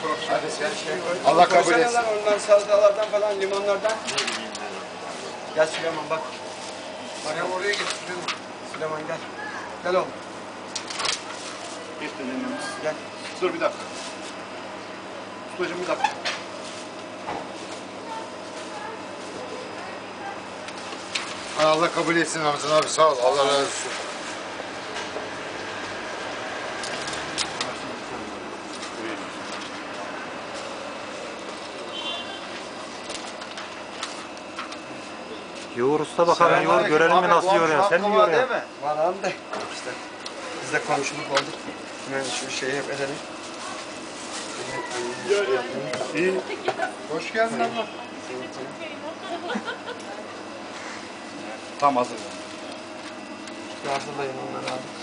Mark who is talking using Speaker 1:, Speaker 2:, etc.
Speaker 1: Hadi sen şey. Allah kabul etsin.
Speaker 2: Ondan salatalardan falan, limonlardan. Gel Süleyman bak.
Speaker 1: Bana oraya git Süleyman.
Speaker 2: Süleyman gel. Gel oğlum.
Speaker 1: Geç dedemiz.
Speaker 2: Gel.
Speaker 1: Dur bir dakika. Ustacığım bir dakika. Allah kabul etsin Ramazan abi, sağ ol. Allah razı olsun.
Speaker 3: Yoğur usta bakalım, yoğur görelim mi nasıl yoğuruyorsun? Sen mi yoğuruyorsun?
Speaker 2: Var abi de. İşte biz de komşuluk olduk. Hemen şu şeyi yap edelim.
Speaker 1: İyi. Hoş geldin abla. Tam hazır.
Speaker 2: Hazırlayın onları abi.